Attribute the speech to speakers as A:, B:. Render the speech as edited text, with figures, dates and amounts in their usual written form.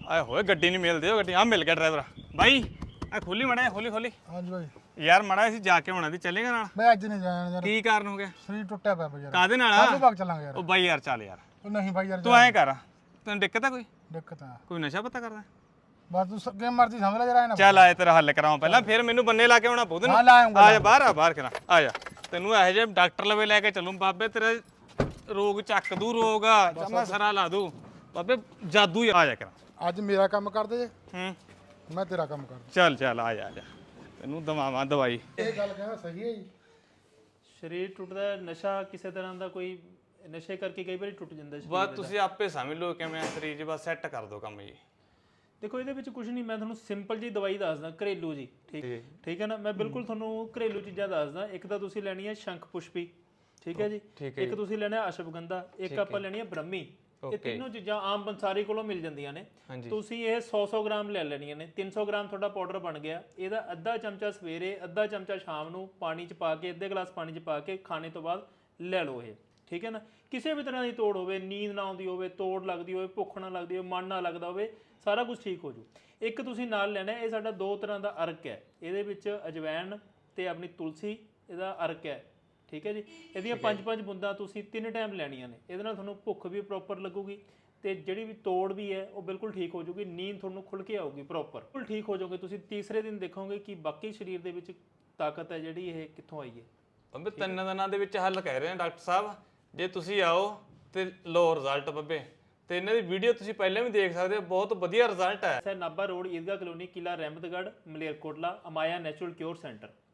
A: ਆਏ ਹੋਏ ਗੱਡੀ ਨਹੀਂ ਮਿਲਦੇ ਉਹ ਗੱਡੀ ਆ ਮਿਲ ਗਿਆ ਡਰਾਈਵਰ ਬਾਈ ਆ ਖੋਲੀ ਮੜਾ ਖੋਲੀ
B: ਹਾਂਜੀ ਬਾਈ
A: ਯਾਰ ਮੜਾ ਅਸੀਂ ਜਾ ਕੇ ਆਉਣਾ ਸੀ ਚੱਲੇਗਾ ਨਾਲ
B: ਮੈਂ ਅੱਜ ਨਹੀਂ ਜਾਣਾ ਯਾਰ
A: ਕੀ ਕਾਰਨ ਹੋ ਗਿਆ
B: ਸਰੀਰ ਟੁੱਟਿਆ ਪਿਆ ਯਾਰ
A: ਕਾਦੇ ਨਾਲ
B: ਕੱਲ ਨੂੰ ਬਾਗ ਚੱਲਾਂਗੇ ਯਾਰ
A: ਉਹ ਬਾਈ ਯਾਰ ਚੱਲ ਯਾਰ
B: ਉਹ ਨਹੀਂ ਬਾਈ ਯਾਰ
A: ਤੂੰ ਐਂ ਕਰ ਤੈਨੂੰ ਦਿੱਕਤ ਆ ਕੋਈ
B: ਦਿੱਕਤ ਆ
A: ਕੋਈ ਨਸ਼ਾ ਪਤਾ ਕਰਦਾ
B: ਬਸ ਤੂੰ ਸੱਗੇ ਮਰਜ਼ੀ ਸਮਝ ਲੈ ਜਰਾ ਇਹਨਾਂ
A: ਚੱਲ ਆਏ ਤੇਰਾ ਹੱਲ ਕਰਾਵਾਂ ਪਹਿਲਾਂ ਫਿਰ ਮੈਨੂੰ ਬੰਨੇ ਲਾ ਕੇ ਆਉਣਾ ਪਊ ਤੈਨੂੰ
B: ਹਾਂ ਲਾ ਆਉਂਗਾ
A: ਆ ਜਾ ਬਾਹਰ ਕਰਾ ਆ ਜਾ ਤੈਨੂੰ ਇਹੋ ਜਿਹੇ ਡਾਕਟਰ ਲਵੇ ਲੈ ਕੇ ਚੱਲੂ ਬਾਬੇ ਤੇਰੇ ਰੋਗ ਚੱਕ ਦੂ ਰੋਗ ਜਮਾ ਸਰਾ ਲਾ ਦੂ ਬਾਬੇ ਜਾਦੂ ਹੀ ਆ ਜਾ ਕਰਾ
B: ਅੱਜ ਮੇਰਾ ਕੰਮ ਕਰਦੇ ਜੇ
A: ਹੂੰ
B: ਮੈਂ ਤੇਰਾ ਕੰਮ ਕਰਦਾ
A: ਚੱਲ ਆ ਜਾ ਤੈਨੂੰ ਦਵਾਵਾਂ ਦਵਾਈ
B: ਇਹ ਗੱਲ ਕਹਿੰਦਾ ਸਹੀ ਹੈ ਜੀ
C: ਸਰੀਰ ਟੁੱਟਦਾ ਨਸ਼ਾ ਕਿਸੇ ਤਰ੍ਹਾਂ ਦਾ ਕੋਈ ਨਸ਼ੇ ਕਰਕੇ ਕਈ ਵਾਰੀ ਟੁੱਟ ਜਾਂਦਾ ਸਰੀਰ
A: ਬਸ ਤੁਸੀਂ ਆਪੇ ਸਮਝ ਲਓ ਕਿਵੇਂ ਸਰੀਰ 'ਚ ਬਸ ਸੈੱਟ ਕਰ ਦੋ ਕੰਮ ਜੀ
C: ਦੇਖੋ ਇਹਦੇ ਵਿੱਚ ਕੁਝ ਨਹੀਂ ਮੈਂ ਤੁਹਾਨੂੰ ਸਿੰਪਲ ਜੀ ਦਵਾਈ ਦੱਸਦਾ ਘਰੇਲੂ ਜੀ ਠੀਕ ਹੈ ਨਾ ਮੈਂ ਬਿਲਕੁਲ ਤੁਹਾਨੂੰ ਘਰੇਲੂ ਚੀਜ਼ਾਂ ਦੱਸਦਾ ਇੱਕ ਤਾਂ ਤੁਸੀਂ ਲੈਣੀ ਹੈ ਸ਼ੰਖ ਪੁਸ਼ਪੀ ਠੀਕ ਹੈ ਜੀ ਇੱਕ ਤੁਸੀਂ ਲੈਣਾ ਹੈ ਅਸ਼ਵਗੰਧਾ ਇੱਕ ਆਪਾਂ ਲੈਣੀ ਹੈ ਬ੍ਰਹਮੀ ਇਹ ਤਿੰਨੋਂ ਚੀਜ਼ਾਂ ਆਮ ਬੰਸਾਰੀ ਕੋਲੋਂ ਮਿਲ ਜਾਂਦੀਆਂ ਨੇ ਤੁਸੀਂ ਇਹ 100 ਗ੍ਰਾਮ ਲੈ ਲੈਣੀਆਂ ਨੇ 300 ਗ੍ਰਾਮ ਤੁਹਾਡਾ ਪਾਊਡਰ ਬਣ ਗਿਆ ਇਹਦਾ ਅੱਧਾ ਚਮਚਾ ਸਵੇਰੇ ਅੱਧਾ ਚਮਚਾ ਸ਼ਾਮ ਨੂੰ ਪਾਣੀ 'ਚ ਪਾ ਕੇ ਅੱਧੇ ਗਲਾਸ ਪਾਣੀ 'ਚ ਪਾ ਕੇ ਖਾਣੇ ਤੋਂ ਬਾਅਦ ਲੈ ਲਓ ਇਹ ਠੀਕ ਹੈ ਨਾ ਕਿਸੇ ਵੀ ਤਰ੍ਹਾਂ ਦੀ ਤੋੜ ਹੋਵੇ ਨੀਂਦ ਨਾ ਆਉਂਦੀ ਹੋਵੇ ਤੋੜ ਲੱਗਦੀ ਹੋਵੇ ਭੁੱਖ ਨਾ ਲੱਗਦੀ ਹੋਵੇ ਮਨ ਨਾ ਲੱਗਦਾ ਹੋਵੇ ਸਾਰਾ ਕੁਝ ਠੀਕ ਹੋ ਜੂ ਇੱਕ ਤੁਸੀਂ ਨਾਲ ਲੈਣਾ ਇਹ ਸਾਡਾ 2 ਤਰ੍ਹਾਂ ਦਾ ਅਰਕ ਹੈ ਇਹਦੇ ਵਿੱਚ ਅਜਵੈਣ ਤੇ ਆਪਣੀ ਤੁਲਸੀ ਇਹਦਾ ਅਰਕ ਹੈ ਠੀਕ ਹੈ ਜੀ ਇਹਦੀਆਂ 5-5 ਬੂੰਦਾਂ ਤੁਸੀਂ 3 ਟਾਈਮ ਲੈਣੀਆਂ ਨੇ ਇਹਦੇ ਨਾਲ ਤੁਹਾਨੂੰ ਭੁੱਖ ਵੀ ਪ੍ਰੋਪਰ ਲੱਗੂਗੀ ਤੇ ਜਿਹੜੀ ਵੀ ਤੋੜ ਵੀ ਹੈ ਉਹ ਬਿਲਕੁਲ ਠੀਕ ਹੋ ਜੂਗੀ ਨੀਂਦ ਤੁਹਾਨੂੰ ਖੁੱਲ ਕੇ ਆਊਗੀ ਪ੍ਰੋਪਰ ਬਿਲਕੁਲ ਠੀਕ ਹੋ ਜਾਓਗੇ ਤੁਸੀਂ ਤੀਸਰੇ ਦਿਨ ਦੇਖੋਗੇ ਕਿ ਬਾਕੀ ਸਰੀਰ ਦੇ ਵਿੱਚ ਤਾਕਤ ਹੈ ਜਿਹੜੀ ਇਹ ਕਿੱਥੋਂ ਆਈ ਹੈ
A: ਬੰਬੇ 3 ਦਿਨਾਂ ਦੇ ਵਿੱਚ ਹੱਲ ਕਹਿ ਰਹੇ ਨੇ ਡਾਕਟਰ ਸਾਹਿਬ ਜੇ ਤੁਸੀਂ ਆਓ ਤੇ ਲੋ ਰਿਜ਼ਲਟ ਬੰਬੇ ਤੇ ਇਹਨਾਂ ਦੀ ਵੀਡੀਓ ਤੁਸੀਂ ਪਹਿਲਾਂ ਵੀ ਦੇਖ ਸਕਦੇ ਹੋ ਬਹੁਤ ਵਧੀਆ ਰਿਜ਼ਲਟ ਹੈ
C: Nabha road Idgah colony Qila Rahmatgarh Malerkotla Amaya natural cure centre